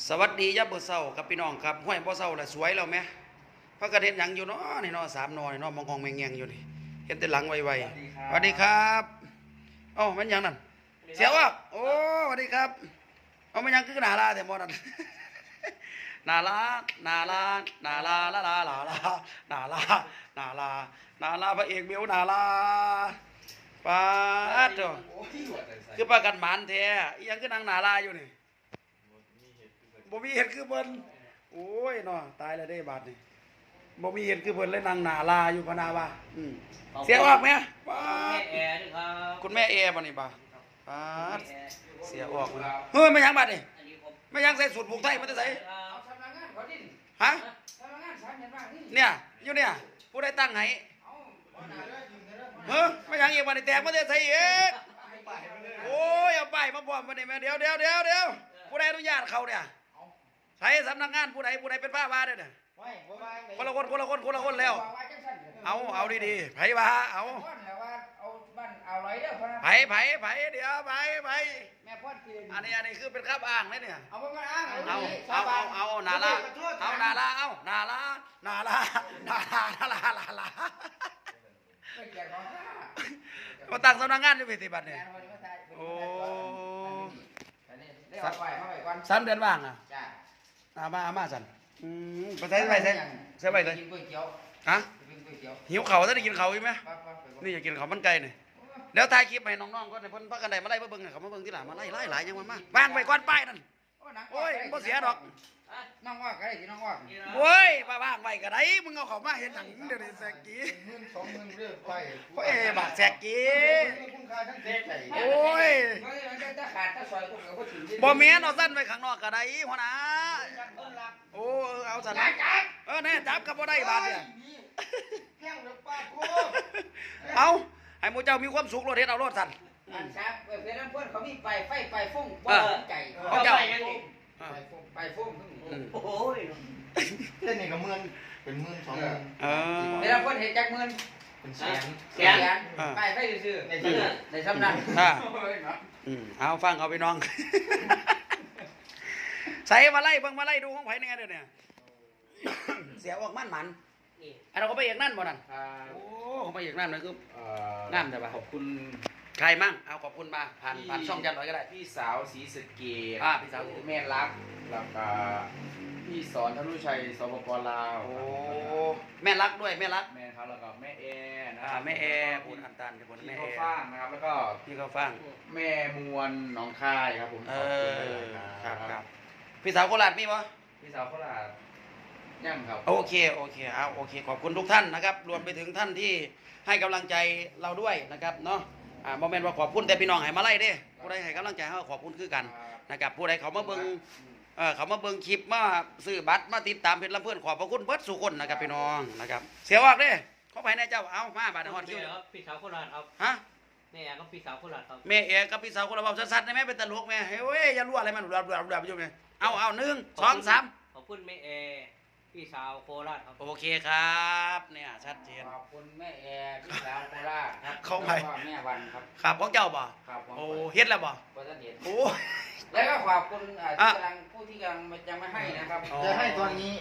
สวัสดียับเบอร์เศร้ากับพี่น้องครับห้วยบ่เศร้าแหละสวยแล้วไหมพระกระเด็นหยังอยู่เนาะนี่เนาะ3 นอนี่เนาะมองแมงแงงอยู่นี่เห็นแต่หลังไวๆสวัสดีครับเอ้ามันหยังนั่นเสียวอ่ะโอ้สวัสดีครับเอามันหยังคือหนาลาแต่บ่นั่นนาลานาลานาลาลาลาลาลานาลานาลานาลาพระเอกเบียวนาลาปาดเถอะคือประกันหมานแท้อีหยังคือนางนาลาอยู่นี่บ่มีเห็ดคือเพิ่นโอ้ยเนาะตายแล้วได้บาดนี่บ่มีเห็ดคือเพิ่นเลยนางนาลาอยู่พะนาว่าเสียออกไหมป้าคุณแม่แอร์บ่นี่บ่าป้าเสียออกเลยเฮ้ยไม่ยังบาดนี่ไม่ยังใส่สูตรผูกไทยมันจะใส่ฮะเนี่ยอยู่เนี่ยผู้ใดตั้งให้เฮ้ยไม่ยังอีกบาดนี่แตกมันจะใส่อีกโอ้ยเอาไปมาบ่มมานี่แม่เดี๋ยวผู้ใดอนุญาตเขาเนี่ยใช้สำนักงานผู้ใดเป็นผ้าว่าเนี่ยคนละคนแล้วเอาดีๆไผว่าเอาไผเดี๋ยวไผอันนี้คือเป็นข้าอ้างเลยเนี่ยเอานาลามาตั้งสำนักงานอยู่ปฏิบัติเนี่ยโอ้3 เดือนว่างอ่ะมาสั่นไปใส่เลยฮะหิวเข่าถ้าได้กินเข่าอีกไหมนี่อยากกินเข่ามันไก่เนี่ยแล้วถ่ายคลิปให้น้องๆก็ในพ้นพักกันไดมาไล่มาเบิ่งเขามาเบิ่งที่หลังมาไล่หลายยังมาวางไปก้อนป้ายนั่นโอ้ยบ่เสียดอกน้องว่าก็ได้ที่น้องว่าโอ้ยป้าวางไว้ก็ได้มึงเอาเขามาเห็นหนังเดี๋ยวนี้แซกกี้ 10,000 20,000เรื่องไปโอ้ยบักแซกกี้คุณค่าทั้งเจ๊ใจโอ้ยบ่เมียนเอาสั้นไว้ข้างนอกก็ได้หัวหน้าโอ้เอาสั้นแน่จับกับบ่ได้บาดเนี่ยเอาให้หมู่เจ้ามีความสุขรถเฮ็ดเอารถสั้นอันครับเพื่อนเพื่อนเขามีไฟฟุ้งบ่ไก่เขาเจ้าไฟฟุ้งโอ้ยเล่นนี่ก็10,000เป็น10,000 20,000 เวลาเพิ่นเฮ็ดจัก10,000เป็นแสนไฟซื่อในสำนักเอาฟังเอาไปน้องใส่มาไล่เบิ่งมาไล่ดูของไผแน่เด้อเนี่ยเสียออกมันอันเราก็ไปเอกนั่นบ่นั่นโอ้เขาไปเอกนั่นเลยคืองามแต่ว่าขอบคุณใครมั่งเอาขอบคุณมาผ่านช่องยันหน่อยก็ได้พี่สาวศรีสะเกษพี่สาวแม่รักแล้วก็พี่สอนธนุชัยสปป.ลาวโอ้แม่รักด้วยแม่รักแม่ครับแล้วก็แม่แอนะแม่แอพูดอันตันกับคนแม่แอฟ้างนะครับแล้วก็พี่เขาฟังแม่มวลหนองคายครับผมครับพี่สาวโคราชมีปะพี่สาวโคราชยังครับโอเคเอาโอเคขอบคุณทุกท่านนะครับรวมไปถึงท่านที่ให้กำลังใจเราด้วยนะครับเนาะโมเมนต์ว่าขอบคุณแต่พี่น้องให้มาไล่เด้ผู้ใดให้กำลังใจเขาขอบคุณคือกันนะครับผู้ใดเขามาเบิ่งคลิปมาซื้อบัตรมาติดตามเพจลำเพื่อนขอบพระคุณเบิดสุคนนะครับพี่น้องนะครับเสียออกเด้เขาไปในเจ้าเอามาบาดฮอดคิวครับพี่สาวโคราชครับฮะแม่ก็พี่สาวโคราชครับแม่เอกับพี่สาวคนละบอกชัดๆได้ไหมเป็นตลกแม่เฮ้ยอย่ารั่วอะไรมันดับไปจุ่มเลยเอา1 2 3 ขอบคุณแม่เอพี่สาวโคราชครับโอเคครับเนี่ยชัดเจนขอบคุณแม่แอพี่สาวโคราชครับเขาไปแม่วันครับครับของเจ้าบ่โอ้เฮ็ดแล้วบ่โอ้แล้วก็ขอบคุณผู้ที่กำลังยังไม่ให้นะครับจะให้ตอนนี้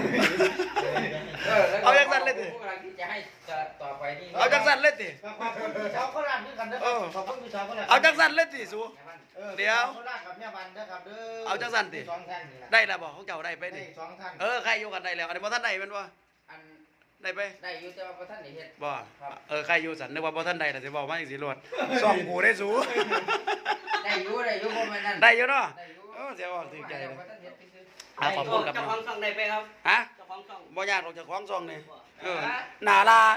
เอาจังสั่นเลยสิผู้กำลังที่จะให้ต่อไปนี่เอาจังสั่นเลยสิขอบคุณพี่สาวโคราชด้วยกันเด้อขอบคุณพี่สาวโคราชเอาจังสั่นเลยสิสูเดี๋ยวโคราชกับแม่วันเด้อครับเด้อเอาจังสั่นสิได้แล้วบ่ของเจ้าได้ไปดิ 2 ท่านใครอยู่กันได้แล้วอันนี้บ่ท่านได้เป็นบ่ได้ไปได้อยู่แต่ว่าบ่ท่านได้เฮ็ดบ่ใครอยู่สันนึกว่าบ่ท่านได้ล่ะสิบอกมาจังสิโลดส่องกูได้สูได้อยู่บ่แม่นนั่นได้อยู่เนาะเสียออกถึงใจเลยขอบคุณกับเจ้าของช่องได้ไปครับฮะเจ้าของช่องบ่ยากหรอกเจ้าของช่องนี่นาลา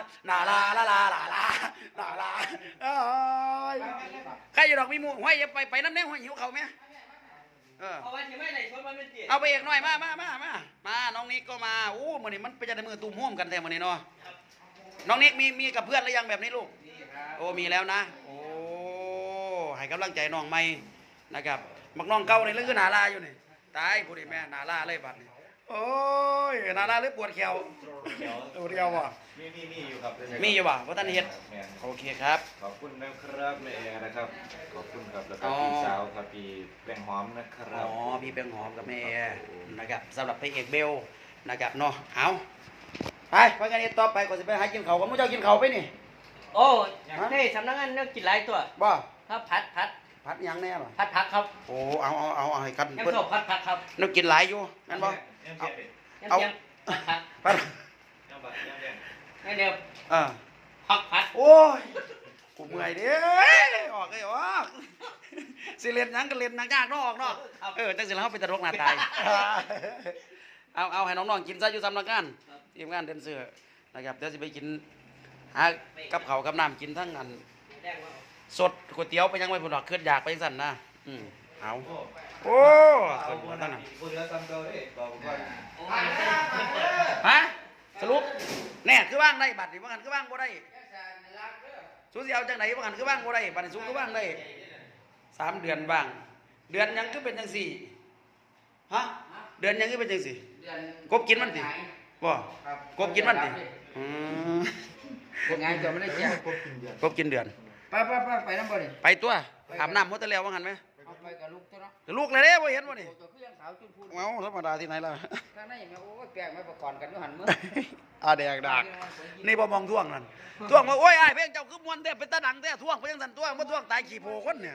ใครอยู่ดอกมีหมู่ห้อยอย่าไปน้ำแน่ห้อยหิวเขาไหมเอาไว้ที่ไม่ไหนชวนมันเป็นเตี๋ยเอาไปเอกหน่อยมาน้องนิกก็มาโอ้มื้อนี้มันเป็นจะได้มือตุ้มห่วมกันแท้มื้อนี้เนาะน้องนิกมีกับเพื่อนหรือยังแบบนี้ลูกโอ้มีแล้วนะโอ้ให้กำลังใจน้องใหม่นะครับมักน้องเก่าในเรื่องคือนาลาอยู่นี่ตายผู้ดีแม่นาลาเลยบัดนี้โโอ้ยนาเลยปวดแขวปวดแขวบ่มีอยู่ครับมีอยู่บ่บ่ทันเฮ็ดโอเคครับขอบคุณนะครับแม่แอร์นะครับ ขอบคุณครับแล้วก็อ๋อพี่สาวครับพี่แป้งหอมนะครัอ๋บอพี่แป้งหอมกับแม่นะครับสำหรับพระเอกเบลนะครับเนาะเอาไปกันนี้ต่อไปก็สิไปหากินข้าวกับมื้อเจ้ากินข้าวไปนี่โอ้เฮ้ยสำนักงานเนี่ยกินหลายตัวบ่ครับผัดผัดหยังแน่บ่ผัดครับโอ้เอาให้กันยังเพิ่นชอบผัดครับนึกกินหลายอยู่งั้นบ่ยังเอาเตรียมผัดผัดงั้นเดี๋ยวอ่าผัดโอ้ยกูเมื่อยเด้ออกเลยออกสิเล่นหยังก็เล่นหนังยากเนาะออกเนาะจังสิแล้วเฮาเป็นตลกหน้าตายเอาให้น้องๆกินซะอยู่สำนักงานทีมงานเดนเซอร์นะครับเดี๋ยวสิไปกินหากับข้าวกับน้ำกินทั้งอันแดงว่าสดก๋วยเตี๋ยวไปยังไม่พุ่นดอกขึ้นอยากไปสั่นนะเอาโอ้ขึ้นมาตั้งนั้นพูดแล้วซ้ำเก่าเด้บอกว่าโอ้ยไม่เปิดฮะสรุปแน่คือว่างได้บัตรนี่ว่างันคือว่างบ่ได้สูสิเอาจังไหนว่างันคือว่างบ่ได้บัตรสูคือว่างได้3 เดือนบ้างเดือนยังคือเป็นจังสี่ฮะเดือนยังคือเป็นจังสี่กบกินมันติบ่กบกินมันติกดงานเดี๋ยวไม่ได้แจ้งกบกินเดือนไปน้ำบ่ดิไปตัวอาบน้ำหมดแต่แล้วว่างันไหมเอาไปกับลูกตัวเนาะลูกเลยเด้บ่เห็นบ่นี่ตัวคือยังสาวจุนพูดเอ้าธรรมดาที่ไหนล่ะข้างในแม่โอ้ยแปลงไม่ประกอบกันอยู่หันมือแดกดักนี่บ่มองท่วงนั่นท่วงว่าโอ้ยอ้ายเพลงเจ้าคือมวนแท้เป็นตาดังแท้ท่วงไปจังซั่นท่วงบ่ท่วงตายขี้โพคนเนี่ย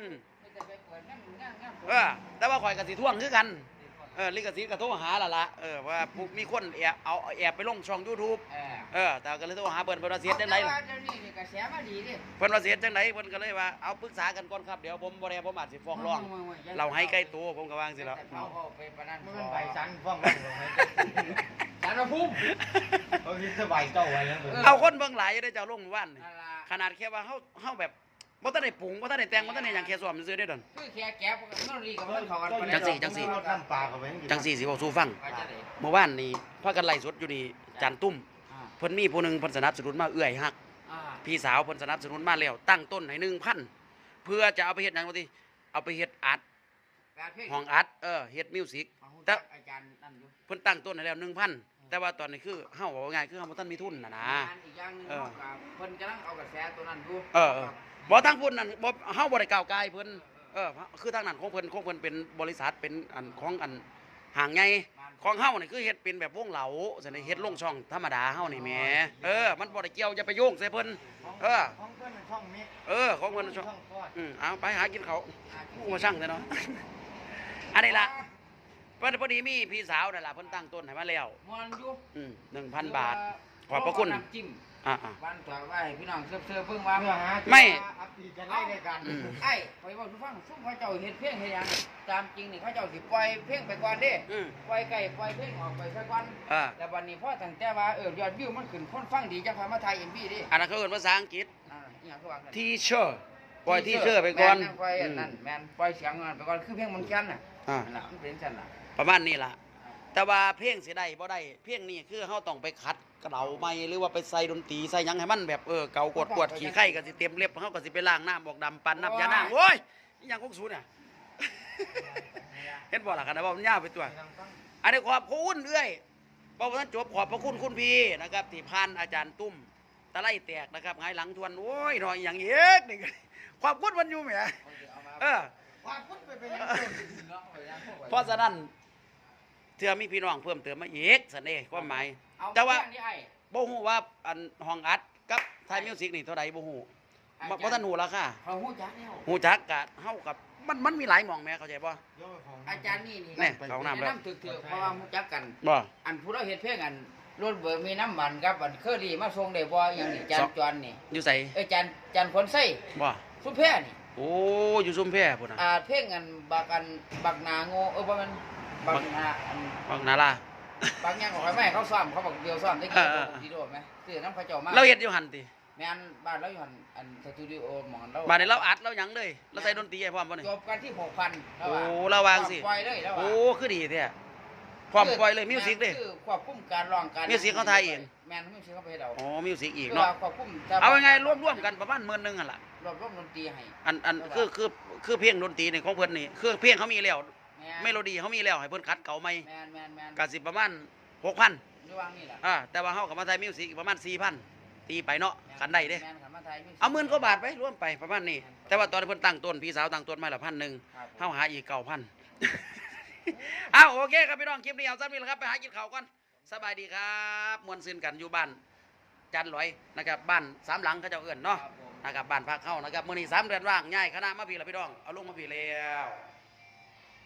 แต่ว่าข่อยก็สิท่วงคือกันลิขสิทธิ์ก็โทรหาล่ะว่ามีคนแอบไปลงช่อง YouTube แต่ก็เลยโทรหาเพิ่นว่าเสียจังได๋เดี๋ยวนี้นี่กระแสมาดีดิเพิ่นว่าเสียจังได๋เพิ่นก็เลยว่าเอาปรึกษากันก่อนครับเดี๋ยวผมบ่ได้ผมอาจสิฟ้องร้องเราให้ใกล้ตัวผมก็วางสิแล้วเอาไปปานนั้นมันไปสั่งฟ้องร้องให้สารภูมิเขาคิดสบายเจ้าไว้แล้วเอาคนเบิ่งหลายอยู่ได้เจ้าลงเมื่อวานนี่นั่นล่ะขนาดแค่ว่าเฮาแบบบ่ทันได้ปรุงบ่ทันได้แต่งบ่ทันได้หยังแค่ซ้อมซื่อๆได้ดอนคือแค่แก้ปกติมันรีกับมันเขากันจังสิน้ำปลาเขาไปจังสี่สิบอกสู้ฟังเมื่อวานนี้พากันไล่สดอยู่นี่จันตุ้มเพิ่นมีผู้หนึงเพิ่นสนับสนุนมาเอื้อยฮักพี่สาวเพิ่นสนับสนุนมาแล้วตั้งต้นให้ 1,000 เพื่อจะเอาไปเฮ็ดหยังว่าติเอาไปเฮ็ดอัดห้องอัดเฮ็ดมิวสิกแต่อาจารย์นั่นอยู่เพิ่นตั้งต้นให้แล้ว 1,000 แต่ว่าตอนนี้คือเฮาว่าง่ายคือเฮาบ่ทันมีทุนน่ะนะอีกอย่างนึงเพิ่นกำลังเอากระแสตัวนั้นอยู่บ่ทางพุ่นนั่นบ่เฮาบ่ได้ก้าวไกลเพิ่นคือทางนั้นของเพิ่นเป็นบริษัทเป็นอันของอันห่างใหญ่ของเฮานี่คือเฮ็ดเป็นแบบวงเหลาซั่นนี่เฮ็ดลงช่องธรรมดาเฮานี่แหมมันบ่ได้เกี่ยวอย่าไปโยงใส่เพิ่นของเพื่อนช่องมิกของเพิ่นช่องคลอดเอาไปหากินเขาวผู้มาช่างซะเนาะอันนี้ล่ะเพิ่นพอดีมีพี่สาวนั่นล่ะเพิ่นตั้งต้นให้มาแล้วมวนอยู่ 1,000 บาท ขอบพระคุณน้ำจิ้มอ่าบ้านตัวไว้พี่น้องเสื้อเพิ่งว่าเพื่อหาไม่อัปเดตกันได้ในการไอ้ไปบอกทุกฟังซุ่มเขาเจ้าเฮ็ดเพลงเฮ็ดหยังตามจริงนี่เขาเจ้าสิปล่อยเพลงไปก่อนเด้ปล่อยไก่ปล่อยเพลงออกไปซะก่อนแต่วันนี้พอตั้งแต่ว่ายอดวิวมันขึ้นคนฟังดีจังพามาถ่าย MV ดิอันนั้นเขาเอิ้นภาษาอังกฤษอีหยังคือว่า teacher ปล่อย teacher ไปก่อนปล่อยนั่นแม่นปล่อยเสียงไปก่อนคือเพลงมันแค้นน่ะอ่านั่นล่ะมันเป็นซั่นล่ะประมาณนี้ล่ะ แต่ว่าเพลงสิได้บ่ได้เพลงนี้คือเฮาต้องไปคัดกระเดาใหม่หรือว่าไปใส่ดนตรีใส่หยังให้มันแบบเก่ากวดขี้ไข่ก็สิเต็มเล็บเฮาก็สิไปล้างน้ำบอกดำปั่นน้ำยานางโอ้ยอีหยังของสูน่ะ เห็นบ่ล่ะกันนะว่ามันยาวไปตัว อันนี้ขอบคุณเอ้ยบอกว่าท่านจบขอบพระคุณคุณพี่นะครับที่ผ่านอาจารย์ตุ้มตะไลแตกนะครับหงายหลังทวนโอ้ยหน่อยอย่างเอกนี่ขอบคุณวันอยู่แหมความพุ่นไปเป็นยังเพราะฉะนั้นเทื่อมีพี่น้องเพิ่มเติมมาอีกสันเด้ความหมายแต่ว่าบ่ฮู้ว่าอันห้องอัดกับไทยมิวสิกนี่เท่าใดบ่ฮู้บ่ทันฮู้ราคาเขาฮู้จักแล้วฮู้จักกะเฮากับมันมีหลายหม่องแหม่เข้าใจบ่อาจารย์นี่แน่เข้าน้ำแล้วน้ำถึกเพราะว่าฮู้จักกันบ่อันผู้เราเฮ็ดเพลงอันรถเบิกมีน้ำมันครับอันเคอรี่มาส่งได้บ่อย่างนี้จานจวนนี่อยู่ไสจานคนไส้บ่สุแพ้นี่โอ้อยู่ซุมแพพุ่นน่ะเพลงอันบักนาโง่บ่แม่นบักนาอันบักนาลาบางอย่างของแม่เขาซ้อมเขาบอกเดียวซ้อมได้กี่ดีโดไหมซื้อน้ำเขาเจ้ามาเราเฮ็ดอยู่หั่นติแม่นบ้านเราอยู่หันอันสตูดิโอหมอนเราบาดนี้เราอัดเราหยังเลยเราใส่ดนตรีให้พร้อมบ่นี่จบกันที่ 6,000 โอ้ระวังสิปล่อยเลยแล้วโอ้คือดีแท้พร้อมปล่อยเลยมิวสิกเด้คือควบคุมการร้องการมิวสิกเขาถ่ายเองแม่นมิวสิกเขาไปให้เราอ๋อมิวสิกอีกคือเนาะว่าควบคุมเอายังไงร่วมๆกันประมาณ10,000หั่นล่ะรวบดนตรีให้อันคือเพลงดนตรีนี่ของเพิ่นนี่คือเพลงเขามีแล้วแม่เมโลดี้เขามีแล้วให้เพิ่นคัดเก่าใหม่แมนก็สิประมาณ 6,000 ระวังนี่แหละแต่ว่าเฮากับมาไทยมิวสิกประมาณ 4,000 ตีไปเนาะกันได้เด้แมนขันมาไทยเอาหมื่นกว่าบาทไปรวมไปประมาณนี้ แต่ว่าตอนที่เพิ่นตั้งต้นพี่สาวตั้งต้นมาละ1,000เฮาหาอีก 9,000 อ้าวโอเคครับพี่น้องคลิปนี้เอาซ้ำนี่แหละครับไปหากินข้าวก่อนสบายดีครับมวนซื่นกันอยู่บ้านจันหลอยนะครับบ้านสามหลังเขาเจ้าเอิ้นเนาะนะครับบ้านพักเฮานะครับมื้อนี้3 เดือนว่างย้ายคณะมาพี่ละพี่น้องเอาลงมาพี่แล้ว